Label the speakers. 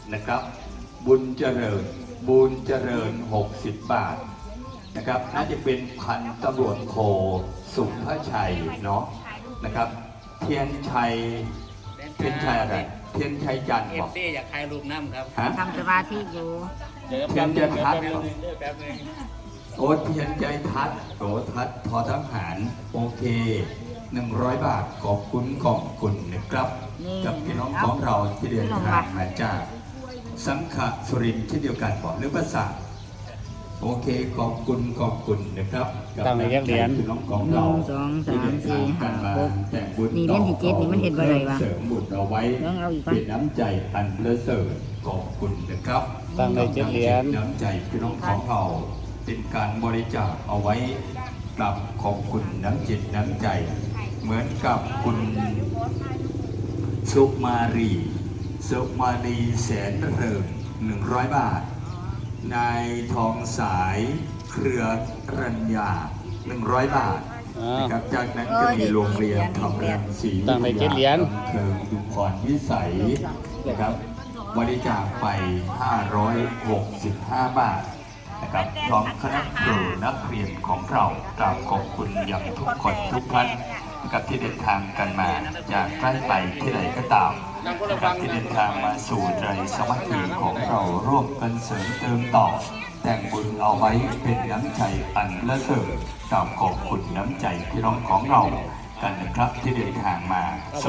Speaker 1: นะครับ บุญเจริญ60 บาทนะครับน่าจะเป็นพันตำรวจโทสุภชัยเนาะนะครับเทียนชัยอะไรเทียนชัยจันทร์บอก
Speaker 2: อยากถ่ายรูปน้ำครับ
Speaker 3: ทำสมาธิอยู่
Speaker 1: เทียนใจทัด
Speaker 2: แป๊บนึง
Speaker 1: โอ้เทียนใจทัดโตทัดทอทหารโอเค100 บาทขอบคุณนะครับกับพี่น้องของเราที่เดินทางมาจากสังขะสุรินทร์เช่นเดียวกันบอกหรือภาษาโอเคขอบคุณนะครับกับพี่น้องของเราที่เดินทางกันมาแต่งบุญต่อเสริมบุญเอาไว้เป็นน้ำใจอันประเสริฐขอบคุณนะครับ
Speaker 4: ตั้งใน7 เหรียญ
Speaker 1: น้ำใจพี่น้องของเราเป็นการบริจาคเอาไว้กลับขอบคุณน้ำจิตน้ำใจเหมือนกับคุณสุมารีแสนเริง100 บาทนายทองสายเครือรัญญา100 บาทนะครับจากนั้นก็มีโรงเรียนทำรังสี
Speaker 4: ตั้งใน7 เหรียญ
Speaker 1: เคิงดุพรวิสัยนะครับบริจาคไป565 บาทนะครับพร้อมคณะครูนักเรียนของเรากราบขอบคุณอย่างทุกคนทุกท่านนะครับที่เดินทางกันมาจากใกล้ไปที่ไหนก็ตามนะครับที่เดินทางมาสู่ใจสมัครของเราร่วมกันเสริมเติมต่อแต่งบุญเอาไว้เป็นน้ำใจอันละเสริฐกราบขอบคุณน้ำใจพี่น้องของเรากันนะครับที่เดินทางมา